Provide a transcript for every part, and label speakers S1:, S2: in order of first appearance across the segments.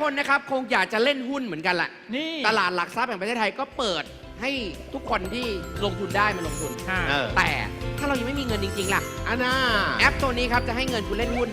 S1: คนนะครับคงอยากจะเล่นหุ้นเหมือนกันแหละ
S2: นี่
S1: ตลาดหลักทรัพย์แห่งประเทศไทยก็เปิดให้ทุกคนที่ลงทุนได้มาลงทุน แต่ถ้าเรายังไม่มีเงินจริงๆล่ะ
S3: อันน่า
S1: แอปตัวนี้ครับจะให้เงินคุณเล่นหุ้น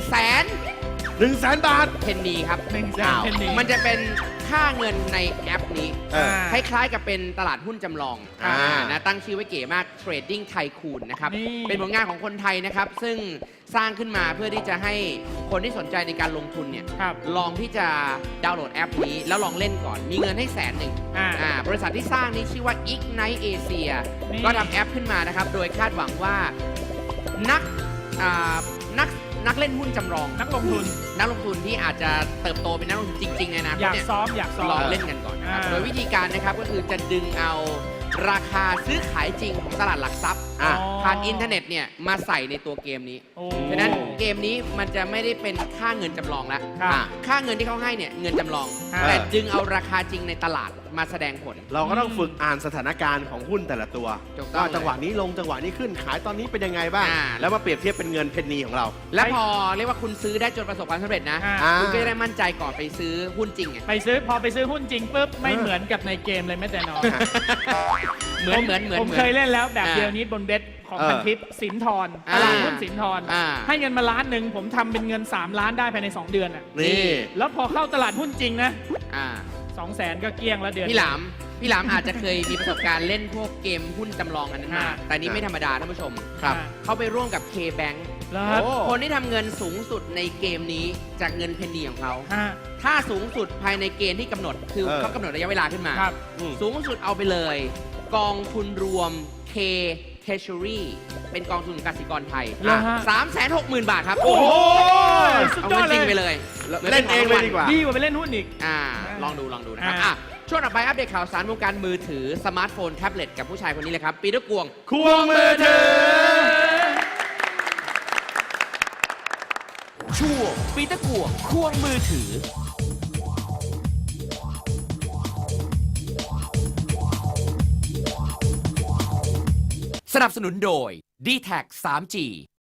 S3: 100,000 บาท
S1: เพนนีครับ
S2: 100,000 penny
S1: มันจะเป็นค่าเงินในแอปนี้
S3: เออ
S1: คล้ายๆกับเป็นตลาดหุ้นจำลอง
S3: อ่า
S1: นะตั้งชื่อไว้เก๋มาก Trading Tycoon นะครับ
S2: นี่
S1: เป็นผลงานของคนไทยนะครับ ซึ่งสร้างขึ้นมาเพื่อที่จะให้คนที่สนใจในการลงทุนเนี่ย
S2: ครับ
S1: ลองที่จะดาวน์โหลดแอปนี้แล้วลองเล่นก่อน มีเงินให้100,000 บริษัทที่สร้างนี้ชื่อว่า Ignite Asia
S2: นี่
S1: ก็ทำแอปขึ้นมานะครับ โดยคาดหวังว่านักอ่านักเล่นหุ้นจำลอง
S2: นักลงทุน
S1: นักลงทุนที่อาจจะเติบโตเป็นนักลงทุนจริงๆในอนาค
S2: อ
S1: ต
S2: ยาก
S1: เนี่ย
S2: ซ้อม
S1: ลองเล่นกันก่อนนะครับ
S2: อ่า
S1: โดยวิธีการนะครับก็คือจะดึงเอาราคาซื้อขายจริงของตลาดหลักทรัพย์
S2: อ๋อ
S1: ผ่านอินเทอร์เน็ตเนี่ยมาใส่ในตัวเกมนี้
S2: โอ้
S1: ฉะนั้นเกมนี้มันจะไม่ได้เป็นค่าเงินจำลองแล้ว
S2: ครับ
S1: ค่าเงินที่เขาให้เนี่ยเงินจำลอง
S2: ครับ
S1: แต่ดึงเอาราคาจริงในตลาดมาแสดงผล
S3: เราก็ต้องฝึกอ่านสถานการณ์ของหุ้นแต่ละตัว
S1: ถูกต้อง
S3: ว่าจังหวะนี้ลงจังหวะนี้ขึ้นขายตอนนี้เป็นยังไงบ้าง
S1: อ่า
S3: แล้วมาเปรียบเทียบเป็นเงินเพนนีของเรา
S1: และพอเรียกว่าคุณซื้อได้จนประสบความสำเร็จนะ
S2: อ่า
S1: คุณก็จะได้มั่นใจก่อนไปซื้อหุ้นจริงไง
S2: พอไปซื้อหุ้นจริงปุ๊บไม่เหมือนกับในเกมเลยแม้แต่น้อย
S1: เหมือน
S2: ผมเคยเล่นแล้วแบบเดียวนี้บนเบสของพันทิปสินทรตลาดหุ้นสินทร
S1: อ่า
S2: ให้เงินมา1 ล้านผมทำเป็นเงิน3 ล้านได้ภายใน2 เดือนอ่ะ
S3: นี่
S2: แล้วพอเข้าตลาดหุ้นจริงนะ
S1: อ่า
S2: 200,000 ก็เกลี้ยงแล้วเดือน
S1: พี่หลามอาจจะเคยมีประสบการณ์เล่นพวกเกมหุ้นจำลองอันนั้นมา แต่นี่ไม่ธรรมดาท่านผู้ชม
S3: ครับ
S1: เขาไปร่วมกับ K-Bank
S2: แล้วครับ
S3: โอ้
S1: คนที่ทำเงินสูงสุดในเกมนี้จากเงินเพนนีของเขา
S2: ฮะ
S1: ถ้าสูงสุดภายในเกณฑ์ที่กำหนด คือเขากำหนดระยะเวลาขึ้นมา
S2: ครับ
S1: สูงสุดเอาไปเลย กองทุนรวม K Treasury เป็นกองทุนกสิกรไทย
S2: เหรอฮะ
S1: 360,000 บาทครับ
S2: โอ้โหสุด
S1: เอา
S2: ยอ
S1: เงิ
S2: ด
S1: น
S2: เลย
S1: จริงไปเลย
S3: เล่นเองเลยดีกว่า
S2: ดีกว่าไปเล่นหุ้นอีก
S1: ลองดูนะครับ
S2: อ่า
S1: ช่วงต่อไปอัปเดตข่าวสารวงการมือถือสมาร์ทโฟนแท็บเล็ตกับผู้ชายคนนี้เลยครับ ปีเตอร์กวง
S3: ควงมือถือ
S1: ช่วงปีเตอร์กวงควงมือถือ สนับสนุนโดย d t แท 3G